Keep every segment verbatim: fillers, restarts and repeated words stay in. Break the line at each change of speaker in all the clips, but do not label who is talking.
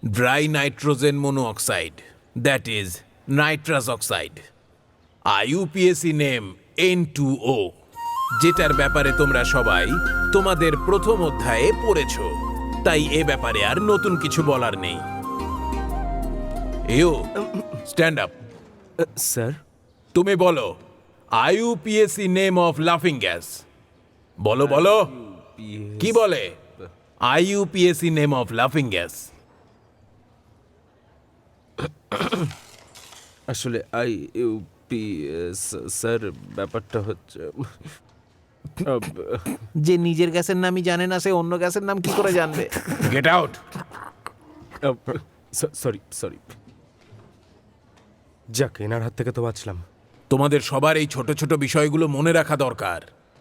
dry nitrogen monoxide, that is nitrous oxide. I U P A C name N two O, যেটার ব্যাপারে তোমরা সবাই তোমাদের প্রথম অধ্যায়ে পড়েছো, তাই এ ব্যাপারে আর নতুন কিছু বলার নেই। এও স্ট্যান্ড আপ।
স্যার,
তুমি বলো I U P A C name of লাফিং গ্যাস। বলো বলো কি বলে I U P A C name of লাফিং গ্যাস?
আসলে আই ইউ পি স্যার, ব্যাপারটা হচ্ছে
যে নিজের গ্যাসের নামই জানে না সে অন্য গ্যাসের নাম কি করে জানবে?
Get out.
সরি সরি যাক, এনার হাত থেকে তো বাঁচলাম।
তোমাদের সবার এই ছোট ছোট বিষয়গুলো মনে রাখা দরকার।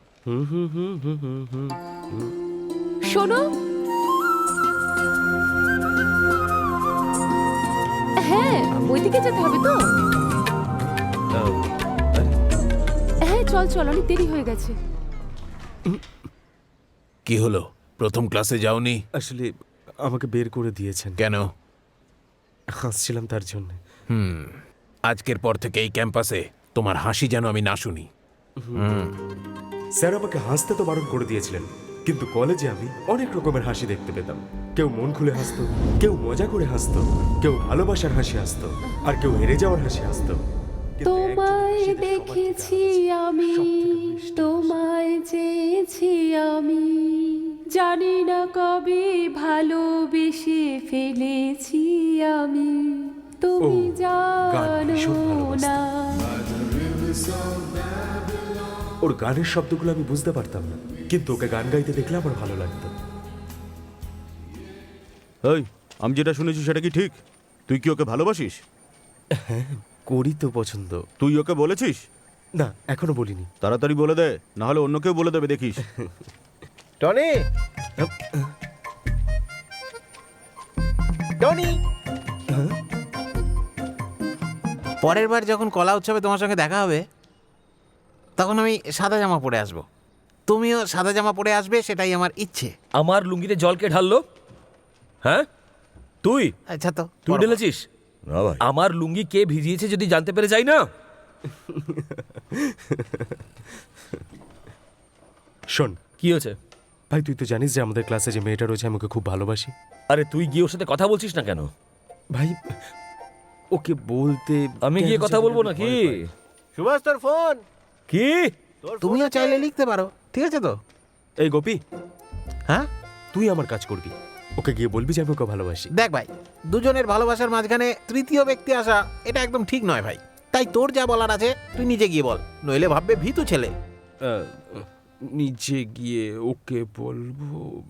শোনো, হ্যাঁ ওইদিকে যেতে হবে তো। হ্যাঁ চল চল, অনেক দেরি হয়ে গেছে।
কি হলো, প্রথম ক্লাসে যাওনি?
আসলে আমাকে বের করে দিয়েছেন।
কেন?
হাসছিলাম তার জন্য।
হুম আজকের পর থেকে এই ক্যাম্পাসে তোমার হাসি যেন আমি না শুনি।
স্যার আমাকে হাসতে তো বারণ করে দিয়েছিলেন, কিন্তু কলেজে আমি অনেক রকমের হাসি দেখতে পেতাম। কেউ মন খুলে হাসতো, কেউ মজা করে হাসতো, কেউ ভালোবাসার হাসি হাসতো, আর কেউ হেরে যাওয়ার হাসি হাসতো।
তোমায় দেখেছি আমি, তোমায় চেয়েছি আমি, জানি না কবে ভালোবেসে ফেলেছি আমি, তুমি জানো না।
ওর গানের শব্দগুলো আমি বুঝতে পারতাম না, কিন্তু ওকে গান গাইতে দেখলে আমার ভালো লাগতো।
এই, আমি যেটা শুনেছি সেটা কি ঠিক? তুই কি ওকে ভালোবাসিস?
হ্যাঁ, করি তো পছন্দ।
তুই ওকে বলেছিস?
না, এখনো বলিনি।
তাড়াতাড়ি বলে দে, না হলে অন্য কেউ বলে দেবে, দেখিস।
টনি, টনি, পরের বার যখন কলা উৎসবে তোমার সঙ্গে দেখা হবে তখন আমি সাদা জামা পরে আসবো, তুমিও সাদা জামা পরে আসবে, সেটাই আমার ইচ্ছে।
আমার লুঙ্গিতে জলকে ঢাললো? হ্যাঁ তুই
আচ্ছা তো
তুই ঢেলেছিস?
না ভাই,
আমার লুঙ্গি কে ভিজিয়েছে যদি জানতে পেরে যাই না?
শোন,
কি হয়েছে?
ভাই তুই তো জানিস যে আমাদের ক্লাসে যে মেয়েটা রয়েছে আমাকে খুব ভালোবাসি।
আরে তুই গিয়ে ওর সাথে কথা বলছিস না কেন?
ভাই ওকে বলতে
আমি গিয়ে কথা বলবো নাকি?
সুভাষ তোর ফোন।
কি?
তুমিও চাইলে লিখতে পারো, ঠিক আছে তো?
এই গোপী,
হ্যাঁ
তুই আমার কাজ করবি, ওকে গিয়ে বলবি যে আমি ওকে ভালোবাসি।
দেখ ভাই, দুজনের ভালোবাসার মাঝখানে তৃতীয় ব্যক্তি আসা এটা একদম ঠিক নয় ভাই। তাই তোর যা বলার আছে তুই নিজে গিয়ে বল, নইলে ভাববে ভীতু ছেলে।
আহ, নিচে গিয়ে ওকে বলবো?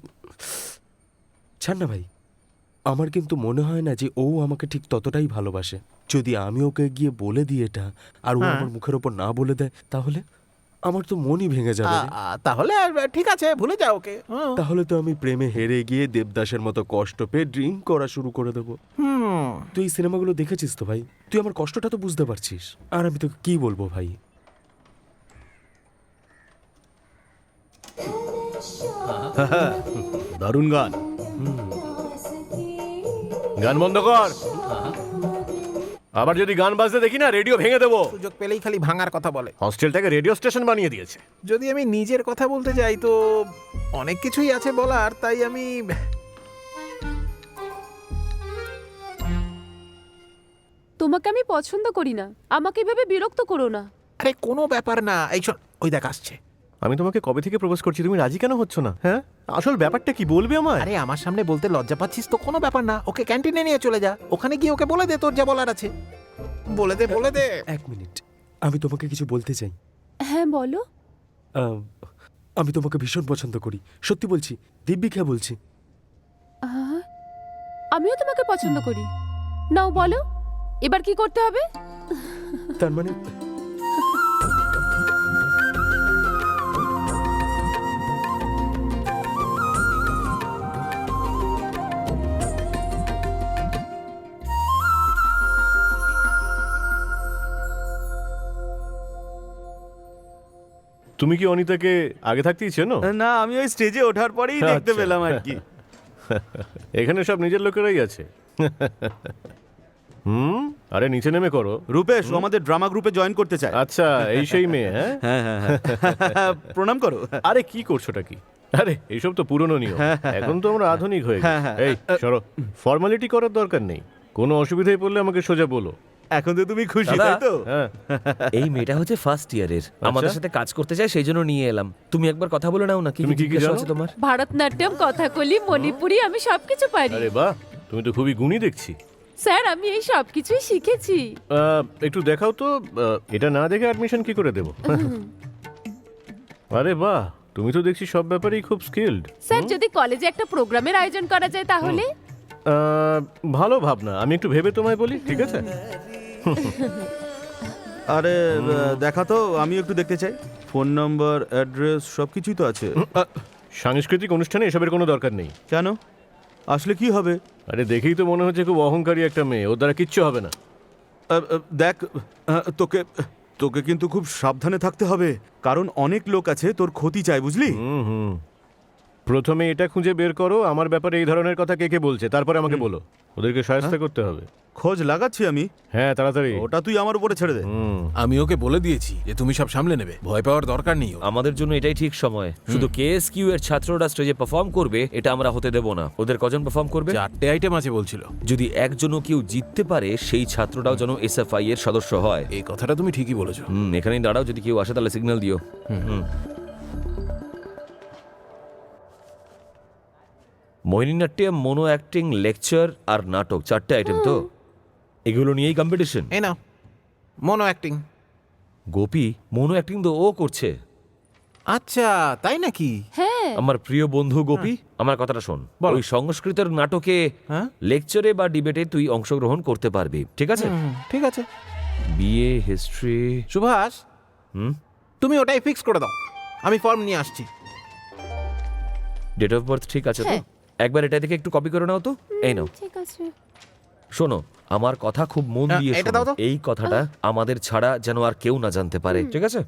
ছাড় না ভাই, আমার কিন্তু মনে হয় না যে ও আমাকে ঠিক ততটাই ভালোবাসে। যদি আমি ওকে গিয়ে বলে দিই এটা, আর ও
হ্যাঁ।
আমার মুখের ওপর না বলে দেয়, তাহলে আমার তো মনই ভেঙে যাবে রে।
আ, আ, তাহলে আর ঠিক আছে, ভুলে যাও ওকে। হুম।
তাহলে তো আমি প্রেমে হেরে গিয়ে দেবদাসের মতো কষ্ট পেয়ে ড্রিঙ্ক করা শুরু করে দেবো।
হুম
তুই এই সিনেমাগুলো দেখেছিস তো ভাই, তুই আমার কষ্টটা তো বুঝতে পারছিস। আর আমি তোকে কি বলবো ভাই?
দারুণ গান। গান বন্ধ কর। আবার যদি গান বাজতে দেখি না, রেডিও ভেঙে দেবো।
সুযোগ পেলেই খালি ভাঙার কথা বলে।
হস্টেলটাকে রেডিও স্টেশন বানিয়ে দিয়েছে।
যদি আমি নিজের কথা বলতে যাই তো অনেক কিছুই আছে বলার, তাই আমি
তোমাকে আমি পছন্দ করি না, আমাকে এভাবে বিরক্ত করো না।
আরে কোনো ব্যাপার না, এই শোন, ওই দেখ আসছে।
আমি তোমাকে কবে থেকে প্রপোজ করছি, তুমি রাজি কেন হচ্ছ না? হ্যাঁ, আসল ব্যাপারটা কি বলবে আমায়?
আরে আমার সামনে বলতে লজ্জা পাচ্ছিস তো কোনো ব্যাপার না, ওকে ক্যান্টিনে নিয়ে চলে যা, ওখানে গিয়ে ওকে বলে দে তোর যা বলার আছে। বলে দে বলে দে।
এক মিনিট, আমি তোমাকে কিছু বলতে চাই।
হ্যাঁ বলো।
আহ, আমি তোমাকে ভীষণ পছন্দ করি, সত্যি বলছি, দিব্যি খেয়ে বলছি।
আহ, আমিও তোমাকে পছন্দ করি। নাও বলো, এবার কি করতে হবে?
তার মানে
তুমি কি অনিতাকে আগে থাকতেই চেনো?
না, আমি ওই স্টেজে ওঠার পরেই দেখতে
আচ্ছা।
পেলাম আর কি।
এখানে সব নিজের লোকেরাই আছে, হুম আরে নিচে নেমে করো।
রূপেশ ও আমাদের ড্রামা গ্রুপে জয়েন করতে চায়।
আচ্ছা এই সেই মেয়ে হ্যাঁ
হ্যাঁ হ্যাঁ হ্যাঁ প্রণাম করো।
আরে কি করছোটা কি? আরে এইসব তো পুরনো নিয়ম, এখন তো আমরা আধুনিক হয়ে
হ্যাঁ,
গেছি।
হ্যাঁ।
এই সরো, ফর্মালিটি করার দরকার নেই। কোনো অসুবিধায় পড়লে আমাকে সোজা বলো।
এখন তো তুমি খুশি
দাদা।
তাই তো?
হ্যাঁ
এই মেয়েটা হচ্ছে ফার্স্ট ইয়ারের, আমাদের সাথে কাজ করতে চায়, সেই জন্য নিয়ে এলাম। তুমি একবার কথা বলে নাও না, কি
তুমি কি কি
জিজ্ঞাসা
জানো?
আছে তোমার?
ভারতনাট্যম, কথাকলি, মণিপুরি আমি সবকিছু পারি।
আরে বাহ, তুমি তো খুবই গুণী দেখছি।
স্যার আমি এই সব কিছুই শিখেছি।
আহ, একটু দেখাও তো। আহ, এটা না দেখে অ্যাডমিশন কি করে দেবো? আরে বাহ, তুমি তো দেখছি সব ব্যাপারেই খুব স্কিলড।
স্যার যদি কলেজে একটা প্রোগ্রামের আয়োজন করা যায় তাহলে?
ভালো ভাবনা, আমি একটু ভেবে তোমায় বলি, ঠিক আছে?
আরে আহ, দেখা তো, আমি একটু দেখতে চাই। ফোন নম্বর, অ্যাড্রেস সব কিছুই তো আছে।
আহ, সাংস্কৃতিক অনুষ্ঠানে এসবের কোনো দরকার নেই।
কেন? আসলে কি হবে?
আরে দেখেই তো মনে হচ্ছে খুব অহংকারী একটা মেয়ে, ওর দ্বারা কিচ্ছু হবে না।
আহ, আহ, দেখ আহ, তোকে তোকে কিন্তু খুব সাবধানে থাকতে হবে, কারণ অনেক লোক আছে তোর ক্ষতি চায়, বুঝলি?
হুম হুম প্রথমে এটা খুঁজে বের করো আমার ব্যাপারে এই ধরনের কথা কে কে বলছে, তারপরে আমাকে বলো। ওদেরকে সহায়তা করতে হবে।
খোঁজ লাগাচ্ছি আমি।
হ্যাঁ তাড়াতাড়ি।
ওটা তুই আমার উপরে ছেড়ে দে।
হুম
আমি ওকে বলে দিয়েছি যে তুমি সব সামলে নেবে, ভয় পাওয়ার দরকার নেই ওর।
আমাদের জন্য এটাই ঠিক সময়। শুধু কেএসকিউ এর ছাত্ররা স্টেজে পারফর্ম করবে, এটা আমরা হতে দেব না। ওদের কজন পারফর্ম করবে?
চারটে আইটেম আছে বলছিল।
যদি একজনও কেউ জিততে পারে, সেই ছাত্রটাও যেন এসএফআই এর সদস্য হয়।
এই কথাটা তুমি ঠিকই বলেছো।
হুম এখানেই দাঁড়াও, যদি কেউ আসে তাহলে সিগন্যাল দিও। হুম মোহিনীনাট্যম, মোনো অ্যাক্টিং, লেকচার আর নাটক, চারটে আইটেম তো? এগুলো নিয়েই কম্পিটিশন।
এই নাও, mono acting.
Gopi mono acting তো ও করছে।
আচ্ছা তাই নাকি?
হ্যাঁ
আমার প্রিয় বন্ধু গোপী, আমার কথাটা শোন। ওই সংস্কৃতের নাটকে,
হ্যাঁ?
লেকচারে বা ডিবেটে তুই অংশগ্রহণ করতে পারবি, ঠিক আছে?
হুম, ঠিক আছে।
BA history.
সুভাষ,
হুম
তুমি ওটাই ফিক্স করে দাও, আমি ফর্ম নিয়ে আসছি।
ডেট অফ বার্থ ঠিক আছে তো?
হ্যাঁ।
একবার এটা থেকে একটু কপি করে নাও তো। এই নাও,
ঠিক আছে।
শোনো আমার কথা খুব মন
হ্যাঁ,
দিয়ে
এটা
শোনো।
দাও তো।
এই কথাটা আমাদের ছাড়া যেন আর কেউ না জানতে পারে, ঠিক আছে?